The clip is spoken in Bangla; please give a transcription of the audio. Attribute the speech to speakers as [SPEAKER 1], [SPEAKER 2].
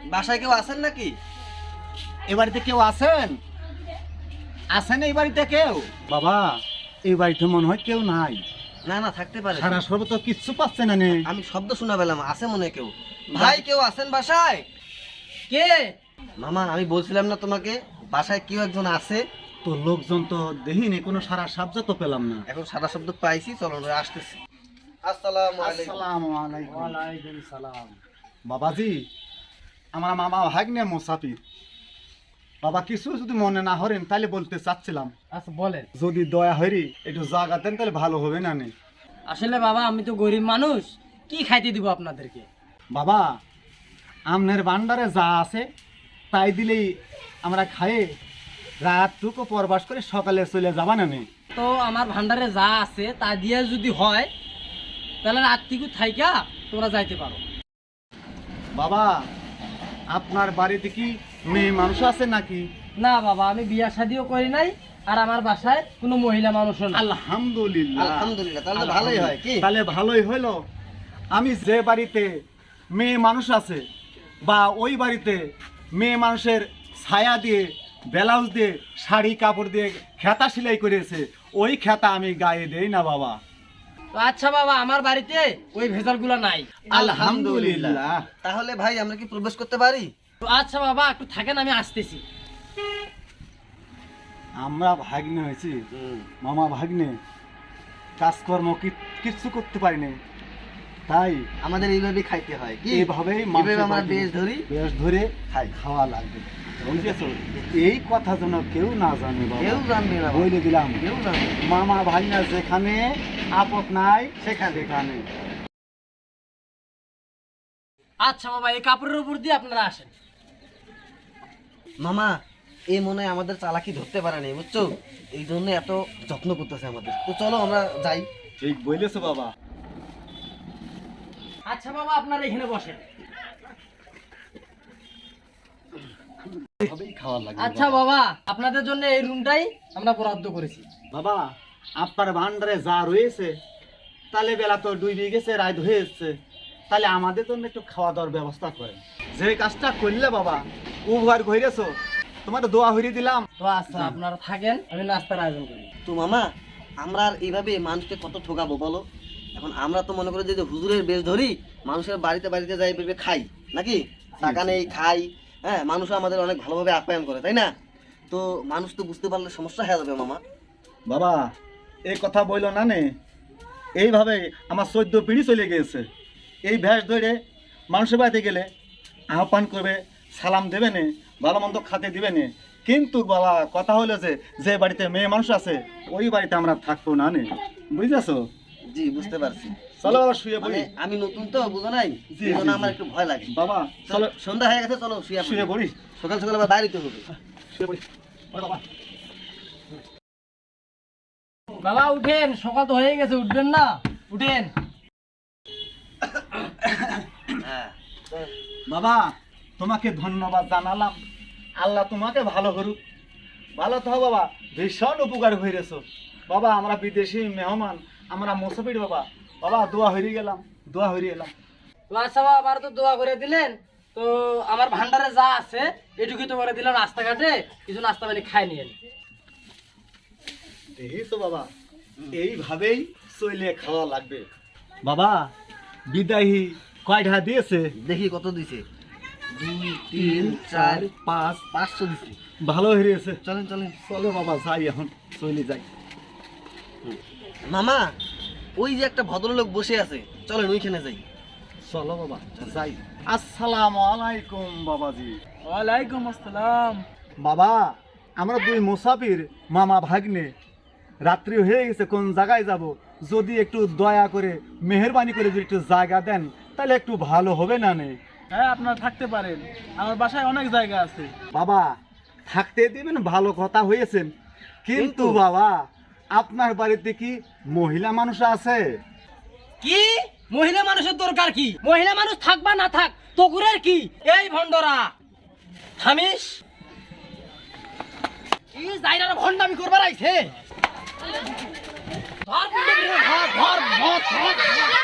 [SPEAKER 1] বাসায় কেউ আছেন নাকি?
[SPEAKER 2] এ বাড়িতে কেউ আছেন? আছেন এই বাড়িতে কেউ? বাবা, এই বাড়িতে মনে হয় কেউ নাই।
[SPEAKER 1] না না, থাকতে পারে।
[SPEAKER 2] সারা সর্ব তো কিচ্ছু পাচ্ছে না নে।
[SPEAKER 1] আমি শব্দ শোনা পেলাম, আছে মনে হয় কেউ। ভাই, কেউ আছেন বাসায়?
[SPEAKER 3] কে?
[SPEAKER 1] মামা, আমি বলছিলাম না তোমাকে বাসায় কেউ একজন আছে?
[SPEAKER 2] তো লোকজন তো দেখিনি, কোনো সারা শব্দ তো পেলাম না।
[SPEAKER 1] এখন সাদা শব্দ পাইছি, চলো আমরা আসতেছি। আসসালামু আলাইকুম।
[SPEAKER 2] আসসালামু আলাইকুম। ওয়ালাইকুম সালাম। বাবাজি, আমার মামা ভাগ্নে মুসাফির। বাবা, কিছু যদি মনে না হরেন তাহলে বলতে চাচ্ছিলাম।
[SPEAKER 3] আচ্ছা বলেন।
[SPEAKER 2] যদি দয়া হরি একটু জায়গা দেন তাহলে ভালো হবে না নে।
[SPEAKER 3] আসলে বাবা, আমি তো গরিব মানুষ, কি খাইতে দিব আপনাদেরকে?
[SPEAKER 2] বাবা, আমনের ভান্ডারে যা আছে তাই দিলেই আমরা খায়ে রাতটুকু পরবাস করে সকালে চলে যাবা না নে।
[SPEAKER 3] তো আমার ভান্ডারে যা আছে তা দিয়ে যদি হয় তাহলে রাত্রিকু থাইকা তোমরা যাইতে পারো।
[SPEAKER 2] বাবা, আপনার বাড়িতে কি মেয়ে মানুষ আছে নাকি?
[SPEAKER 3] না বাবা, আমি বিয়া শাদিও করি নাই, আর আমার বাসায় কোনো মহিলা মানুষও না।
[SPEAKER 2] আলহামদুলিল্লাহ।
[SPEAKER 1] আলহামদুলিল্লাহ, তাহলে তো ভালোই হয়। কি
[SPEAKER 2] তাহলে ভালোই হলো। আমি যে বাড়িতে মেয়ে মানুষ আছে বা ওই বাড়িতে মেয়ে মানুষের ছায়া দিয়ে, ব্লাউজ দিয়ে, শাড়ি কাপড় দিয়ে খেতা সেলাই করেছে, ওই খেতা আমি গায়ে দেই না বাবা।
[SPEAKER 3] তো আচ্ছা বাবা, আমার বাড়িতে ওই ভেজালগুলো নাই।
[SPEAKER 2] আলহামদুলিল্লাহ।
[SPEAKER 1] তাহলে ভাই, আমরা কি প্রবেশ করতে পারি?
[SPEAKER 3] তো আচ্ছা বাবা, একটু থাকেন, আমি আসতেছি।
[SPEAKER 2] আমরা ভাগ্নে হয়েছি, মামা ভাগ্নে, কাজকর্ম কিচ্ছু করতে পারিনি, তাই
[SPEAKER 1] আমাদের এইভাবেই খাইতে হয়। কি
[SPEAKER 2] এইভাবেই
[SPEAKER 1] এইভাবে আমরা বেশ ধরে
[SPEAKER 2] খাই, খাওয়া লাগবে, বুঝেছো? এই কথা যেন কেউ না জানে বাবা।
[SPEAKER 1] কেউ জানবে না,
[SPEAKER 2] বলে দিলাম।
[SPEAKER 1] কেউ জানবে না।
[SPEAKER 2] মামা ভাগ্না যেখানে, আপদ নাই সেখানে।
[SPEAKER 3] আচ্ছা বাবা, এই কাপড়ের উপর দিয়ে আপনারা আসেন।
[SPEAKER 1] মামা, এই মনে হয় আমাদের চালাকি ধরতে পারে নাই, বুঝছো? এই জন্য এত যত্ন করতেছে আমাদের। তো চলো আমরা যাই।
[SPEAKER 2] ঠিক বলেছো বাবা।
[SPEAKER 3] আচ্ছা বাবা, আপনারা এখানে বসেন।
[SPEAKER 2] এইভাবেই খাওয়া লাগবে
[SPEAKER 3] আচ্ছা
[SPEAKER 2] বাবা।
[SPEAKER 3] বাবা, আপনাদের জন্য এই রুমটাই আমরা বরাদ্দ করেছি।
[SPEAKER 2] বাবা, আপনার ভান্ডারে যা রয়েছে তাহলে বেলা তো ডুবে গেছে, রাত হয়ে এসছে, তাহলে আমাদের জন্য একটু খাওয়া দাওয়ার ব্যবস্থা করেন। যে কাজটা করলে বাবা, উভয় ঘুরেছো, তোমার দোয়া হইরে দিলাম।
[SPEAKER 3] তো আচ্ছা, আপনারা থাকেন, আমি নাস্তার আয়োজন করি।
[SPEAKER 1] তো মামা, আমরা আর এইভাবে মানুষকে কত ঠকাবো বলো? এখন আমরা তো মনে করি যে হুজুরের বেশ ধরি, মানুষের বাড়িতে বাড়িতে যাই ভেবে খাই নাকি, টাকা নেই খাই। হ্যাঁ, মানুষও আমাদের অনেক ভালোভাবে আপ্যায়ন করে, তাই না? তো মানুষ তো বুঝতে পারলে সমস্যা হয়ে যাবে মামা।
[SPEAKER 2] বাবা, এই কথা বইল না নে। এইভাবে আমার 14 পিঁড়ি চলে গিয়েছে। এই ভ্যাস ধরে মানুষের বাড়িতে গেলে আহ্বান করবে, সালাম দেবে নে, ভালো মন্দ খাতে দিবে নে। কিন্তু বাবা, কথা হলো যে বাড়িতে মেয়ে মানুষ আছে ওই বাড়িতে আমরা থাকবো না নে, বুঝেছো?
[SPEAKER 1] জি, বুঝতে পারছি।
[SPEAKER 2] চলো বাবা, শুয়ে পড়ি।
[SPEAKER 1] মানে আমি নতুন তো, বুঝো নাই,
[SPEAKER 2] জি,
[SPEAKER 1] এই জন্য
[SPEAKER 2] জি,
[SPEAKER 1] আমার
[SPEAKER 2] জি।
[SPEAKER 1] একটু ভয় লাগে।
[SPEAKER 2] বাবা চলো,
[SPEAKER 1] সন্ধ্যা হয়ে গেছে, চলো
[SPEAKER 2] শুয়ে পড়ি।
[SPEAKER 1] সকাল সকাল আবার বাইরে তো হবে।
[SPEAKER 2] শুয়ে পড়ি। ওরে বাবা।
[SPEAKER 3] বাবা উঠেন, সকাল তো হয়ে গেছে, উঠবেন না? উঠেন।
[SPEAKER 1] হ্যাঁ,
[SPEAKER 2] বাবা, তোমাকে ধন্যবাদ জানালাম। আল্লাহ তোমাকে ভালো করুক। ভালো তো বাবা, ভীষণ উপকার হয়েছো বাবা। আমরা বিদেশি মেহমান, আমরা মুসাফির বাবা। বাবা, দোয়া হয়ে গেলাম, দোয়া হয়ে এলাম।
[SPEAKER 3] তো আচ্ছা বাবা, আমার তো দোয়া করে দিলেন, তো আমার ভান্ডারে যা আছে এটুকুই তো করে দিলাম। রাস্তাঘাটে কিছু নাস্তা পানি খাই নিয়েন।
[SPEAKER 2] এই তো বাবা, এইভাবেই চলে খাওয়া লাগবে। বাবা, বিদায়ী কয়টা দিয়েছে?
[SPEAKER 1] দেখি কত দিছে। 2, 3, 4, 5, 500 দিছে।
[SPEAKER 2] ভালো হয়েছে।
[SPEAKER 1] চলেন চলেন।
[SPEAKER 2] চলো বাবা, যাই, এখন চলে যাই।
[SPEAKER 1] মামা, ওই যে একটা ভদ্রলোক বসে আছে, চলেন ওইখানে যাই।
[SPEAKER 2] চলো বাবা, যাই। আসসালামু আলাইকুম বাবাজি।
[SPEAKER 3] ওয়ালাইকুম আসসালাম।
[SPEAKER 2] বাবা, আমরা 2 মুসাফির, মামা ভাগ্নে। রাত্রি হয়ে গেছে, কোন জায়গায় যাব? যদি একটু দয়া করে মেহেরবানি করে যদি একটু জায়গা দেন তাহলে একটু ভালো হবে না নে?
[SPEAKER 4] হ্যাঁ, আপনারা থাকতে পারেন, আমার বাসায় অনেক জায়গা আছে।
[SPEAKER 2] বাবা, থাকতে দিবেন, ভালো কথা হয়েছেন, কিন্তু বাবা আপনার বাড়িতে কি মহিলা মানুষ আছে?
[SPEAKER 3] কি মহিলা মানুষের দরকার কি? মহিলা মানুষ থাকবা না থাক, তকুরের কি? এই ভন্ডরা থামিস, কি জায়গাটা ভন্ডামি করবার আইছে। ধর, ধর, ধর, ধর, ধর, ধর।